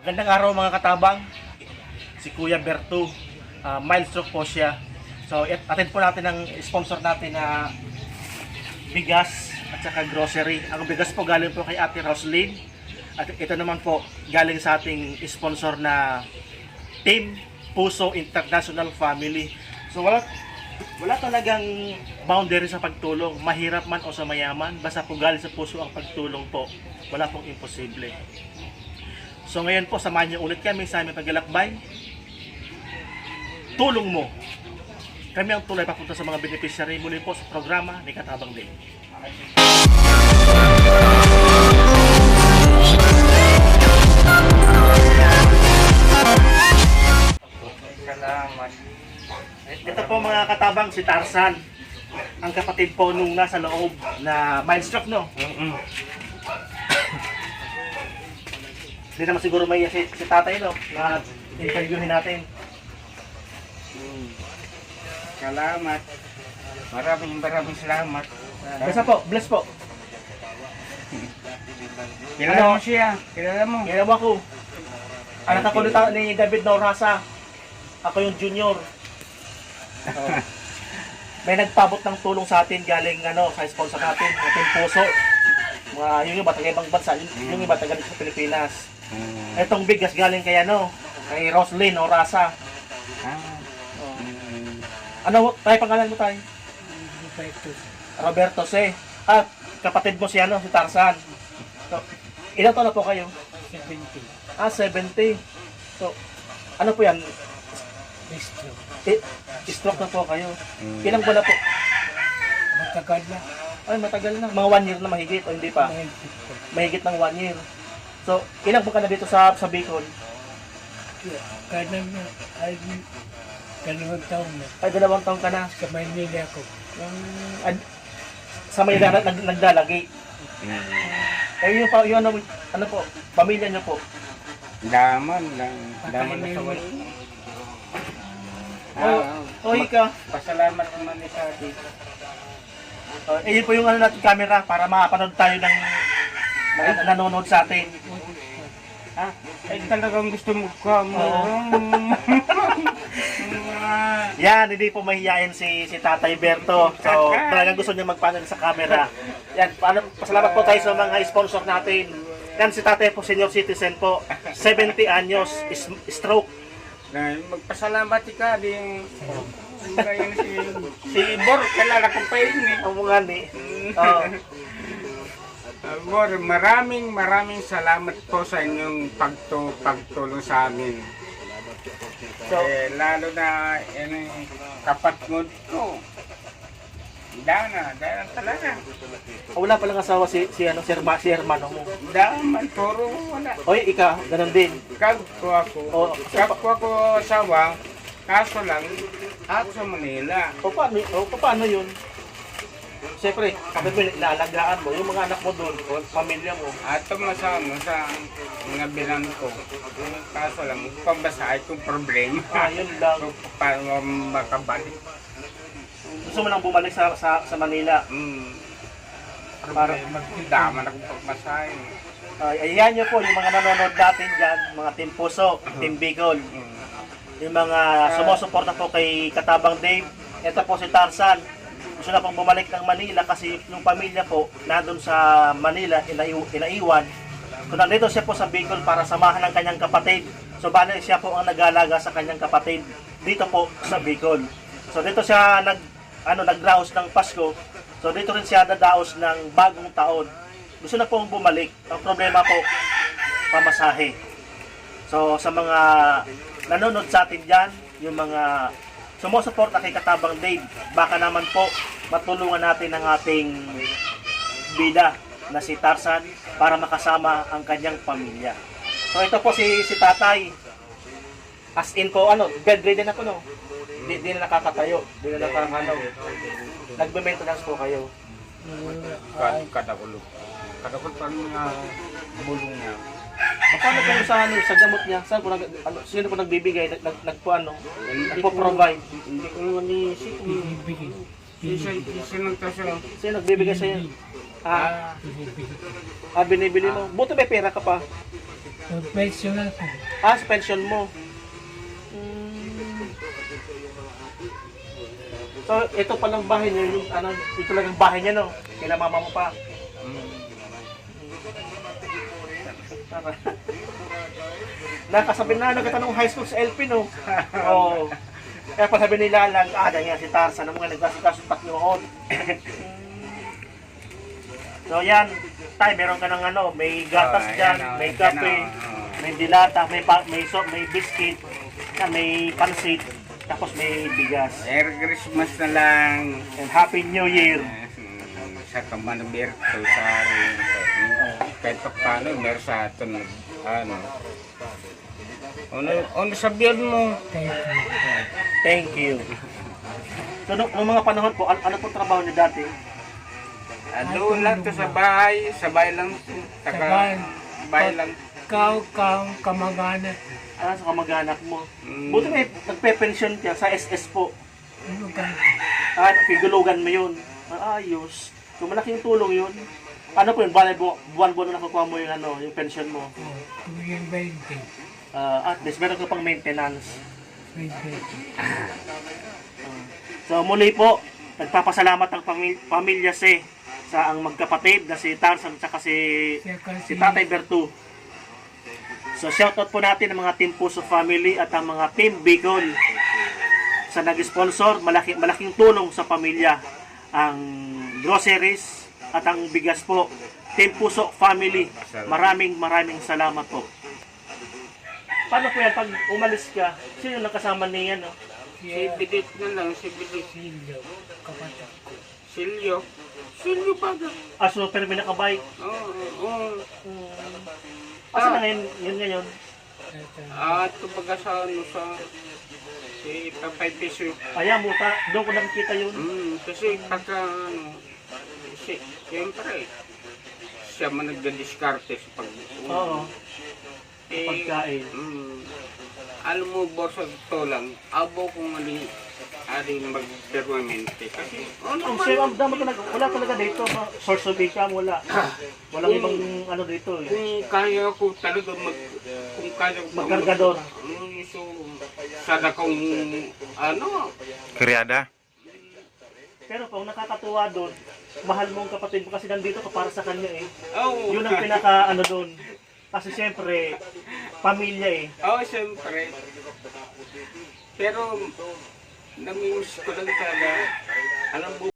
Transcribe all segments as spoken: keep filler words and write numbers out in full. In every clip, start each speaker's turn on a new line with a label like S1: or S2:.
S1: Magandang araw mga katabang. Si Kuya Berto, uh, mild stroke po siya. So attend po natin ang sponsor natin na bigas at saka grocery. Ang bigas po galing po kay Ate Roslyn. At ito naman po galing sa ating sponsor na Team Puso International Family. So wala wala talagang boundary sa pagtulong, mahirap man o sa mayaman, basta po galing sa puso ang pagtulong po. Wala pong imposible. So ngayon po, samahan niyo ulit kami sa aming paglalakbay. Tulong mo. Kami ang tulay papunta sa mga beneficiary muli po sa programa ni Katabang Day.
S2: Salamat.
S1: Ito po mga katabang, si Tarzan. Ang kapatid po nung nasa loob na mild stroke, no?
S2: Mm-mm.
S1: Hindi naman siguro may si, si tatay, no? Na interviewin natin.
S2: Mm. Salamat. Maraming maraming salamat.
S1: Basta po, bless po.
S2: Kilala
S1: Ano?
S2: mo siya. Kilala mo.
S1: Ginawa ko. Anak ako ni, ni David Norasa. Ako yung junior. Oh. May nagpabot ng tulong sa atin galing ano sa sponsor natin, ating puso. Mga yung iba taga ibang bansa, yung, yung iba taga sa Pilipinas.
S2: Mm.
S1: Etong bigas galing kay ano, kay Roslyn Orasa.
S2: Ah.
S1: Oh.
S2: Mm.
S1: Ano tayo pangalan mo tayo? Roberto C. At kapatid mo si ano, si Tarzan. So, ilang taon na po kayo?
S3: seventy.
S1: Ah, seventy. So, ano po yan?
S3: Stroke.
S1: Eh, stroke na po kayo.
S2: Mm.
S1: Ilang buwan na po?
S3: Matagal na.
S1: Ay, matagal na. Mga one year na mahigit o hindi pa?
S3: Mahigpit ko.
S1: Mahigit ng one year. So, ilang po ka na dito sa, sa Bicol?
S3: Kanan na ay dalawang taon na.
S1: Ay, dalawang taon ka na.
S3: Sa Maynila ako.
S1: Um, ad, sa may nag, nag, nagdalagi.
S2: Mm.
S1: Eh, yung, pa- yung ano, ano po, pamilya niyo po.
S2: Daman lang. Daman na sa wala.
S1: Oh,
S2: Ah,
S1: oh, ka.
S2: pasalamat naman ni Sadi.
S1: Uh, eh, yun po yung ano natin camera para makapanood tayo ng na, nanonood sa atin.
S2: Ah, ay talagang gusto mo ka mo.
S1: Yan, hindi po mahihayin si si Tatay Berto. So, talagang gusto niya magpanel sa camera. Yan, paano, pasalamat po tayo sa mga sponsor natin. Yan, si Tatay po, senior citizen po. seventy anyos, is, stroke.
S2: Na magpasalamat ka din. Ngayon si si Bor, kilala ko pa yun eh.
S1: Ang mga ni. Oh.
S2: Uh, Bor, maraming maraming salamat po sa inyong pagtu pagtulong sa amin.
S1: So,
S2: Eh, lalo na yan eh, kapatid ko. Dana, dana talaga.
S1: wala palang asawa si, si, ano, si, Herma, si Hermano mo.
S2: Daman, puro wala.
S1: Oy, ikaw, ganun din.
S2: Kapwa ko.
S1: Oh,
S2: Kapwa ko asawa, kaso lang, ako sa Manila.
S1: O paano, o, paano yun? Siyempre, kapag mo inaalagaan mo, yung mga anak mo doon, o pamilya mo.
S2: At masama sa mga bilang ko. Kaso lang, pambasahin kong problema.
S1: Ah, yun lang.
S2: So, para makabalik.
S1: Gusto mo nang bumalik sa sa, sa Manila.
S2: Mm.
S1: Para,
S2: Magdaman akong pagmasahin.
S1: ay, ayan nyo po, yung mga nanonood natin dyan, mga Team Puso, Team Bicol.
S2: Mm.
S1: Yung mga sumusuporta po kay Katabang Dave. Ito po si Tarzan. Gusto na pong bumalik ng Manila kasi yung pamilya po nandun sa Manila, inaiw, inaiwan. So nandito siya po sa Bicol para samahan ng kanyang kapatid. So bali siya po ang nag-aalaga sa kanyang kapatid dito po sa Bicol. So dito siya nag ano nagdaos ng Pasko. So dito rin siya dadaos ng bagong taon. Gusto na pong bumalik. Ang problema po, pamasahe. So sa mga nanonood sa atin dyan, yung mga sumusuporta kay Katabang Dave, baka naman po matulungan natin ang ating bida na si Tarzan para makasama ang kanyang pamilya. So ito po si si Tatay. As in po, ano, bedridden ako, no? Di, di na nakakatayo. Di na nakakano. Nagbe-maintenance po kayo.
S2: Kad kadakulo. Kadakulo pa mga bulong niya.
S1: Paano kayo sa, ano, sa gamot niya? Saan po, nag, ano, sino po nagbibigay? Nag, nag, nagpo, ano? Nagpo-provide?
S2: Hindi ko naman iisip.
S3: Bibigay.
S2: Isa, isa nagtasyo.
S1: Sino nagbibigay sa iyo? Ah,
S3: Binibili ko.
S1: ah binibili mo. Buti may pera ka pa.
S3: Professional ko.
S1: Ah, sa pension mo. Mm. So, ito palang bahay niyo, yung ano, ito talagang bahay niya, no? Kila mama mo pa. Tara. Nakasabi na, nagkatanong high school sa L P, no? Oo. Kaya pa sabi nila lang, ah, dahil nga si Tarzan, ang mga nagkasikaso taknoon. So, yan. Tay, meron ka ng ano, may gatas
S2: Oh,
S1: dyan,
S2: ayan, oh,
S1: may
S2: ayan,
S1: kape,
S2: oh.
S1: may dilata, may pa, may so, may biscuit, yan, may pansit, tapos may bigas.
S2: Merry Christmas na lang.
S1: And Happy New Year.
S2: Mm, Sa Kamanberto sa rin. Kahit pa paano, meron sa atin. Ano. Ano, ano sabihan mo?
S3: Thank you.
S1: Thank you. So, nung, nung mga panahon po, ano, ano po trabaho niyo dati?
S2: Ano lang to sa bahay. Sa bahay lang. Taka,
S3: Sabay.
S2: bahay lang.
S3: Ikaw, kang kamag-anak.
S1: Ah, sa kamag-anak mo.
S2: Mm.
S1: Buti may nagpe-pension ka sa S S po.
S3: Ano ka?
S1: Ah, pigulugan mo yun. Ah, ayos. So, malaking tulong yun. Ano po yun? Bale, bu- buwan-buwan na nakukuha mo yung, ano, yung pension mo.
S3: Oh, tuwing twenty.
S1: Ah, at least meron ka pang maintenance.
S3: twenty.
S1: So muli po, nagpapasalamat ang pamil- pamilya si sa ang magkapatid na si Tarzan at saka si,
S3: Siya
S1: si
S3: kasi,
S1: Tatay Bertu. So shoutout po natin ang mga Team Puso Family at ang mga Team Bicol sa nag-sponsor, malaki, malaking tulong sa pamilya ang groceries at ang bigas po. Team Puso Family, maraming maraming salamat po. Paano po yan pag umalis ka? Sino nakasama niya, no?
S2: Si
S3: siya,
S2: Bidit na lang. Si Bidit.
S3: Silyo, kapatid ko.
S2: Silyo. Silyo pa ka.
S1: Ah, so pero may nakabike.
S2: Oo. Oo.
S1: Hmm. Asa na ngayon, yun ngayon?
S3: At, uh,
S2: At kumbaga sa ano sa si Papay Piso.
S1: Kaya mo, ta, doon ko nakikita yun.
S2: Mm, kasi pagka ano, si, siyempre, siya man nagda-diskarte sa pag
S1: Oo,
S2: eh,
S1: pagkain.
S2: mm, alam mo, boss, ito lang, abo kung ano yung aling mag-permanente. Kasi, ano
S1: Ang
S2: ba?
S1: sir, ang dami talaga, wala talaga dito. ma- Source of income, wala. Walang ibang ano dito eh.
S2: Kung kaya ko talaga mag, kung kaya ko
S1: Magkargador.
S2: Mm, so, sana kung, ano,
S4: Kriada?
S1: Pero kung nakakatuwa doon, mahal mo ang kapatid mo kasi nandito ka para sa kanya eh.
S2: oh,
S1: Yun ang pinaka ano doon. Kasi siyempre, pamilya eh.
S2: oh, siyempre. Pero, namimiss ko lang talaga, alam mo,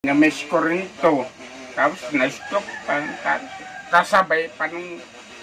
S2: Na-miss ko rin ito. Tapos na-stroke pa. ta- Kasabay pa nung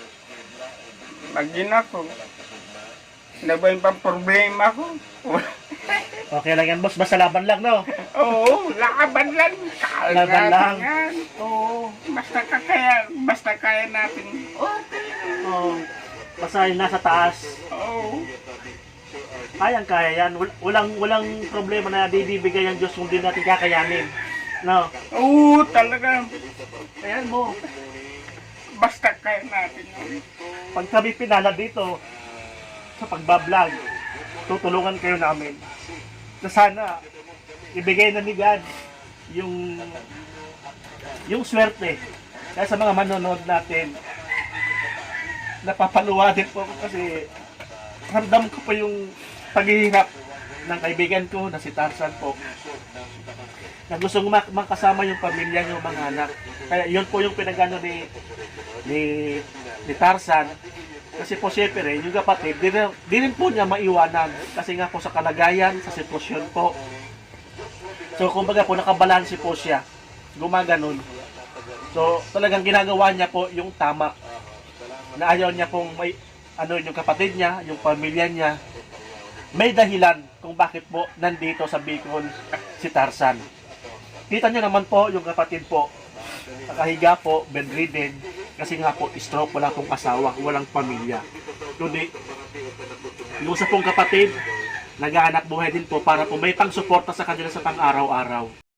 S2: magina ko. Nabay pang problema ko.
S1: Okay lang yan, boss. Basta laban lang, no?
S2: Oo, laban lang. Kaya
S1: Laban
S2: natin
S1: lang.
S2: yan. Oo, basta kaya, basta kaya natin. Okay.
S1: Oh, basta yung nasa taas.
S2: Oo.
S1: Kayang kaya yan. Wal- Walang, walang problema na bibigay ang Diyos kung di natin kakayanin. No?
S2: Oo, talaga.
S1: Ayan mo.
S2: Basta kaya natin. Yun.
S1: Pag kami pinala dito sa pagbablog, tutulungan kayo namin. Na sana ibigay na ni God yung yung swerte. Kaya sa mga manonood natin, napapaluwa din po ako kasi ramdam ko po yung paghihirap ng kaibigan ko na si Tarzan po. Na gustong mak- makasama yung pamilya niyo, mga anak. Kaya yun po yung pinagano ni ni, ni Tarzan. Kasi po siyempre, yung kapatid, di rin, di rin po niya maiwanan. Kasi nga po sa kalagayan, sa sitwasyon po. So, kumbaga po, nakabalansi po siya. Gumaganon. So, talagang ginagawa niya po yung tama. Na ayaw niya pong may, ano, yung kapatid niya, yung pamilya niya. May dahilan kung bakit po nandito sa Bicol si Tarzan. Kita niyo naman po, yung kapatid po, nakahiga po, bedridden, kasi nga po, stroke, wala pong asawa, walang pamilya. Kundi, yung isa pong kapatid, naghahanap buhay din po para po may pang-suporta sa kanila sa pang-araw-araw.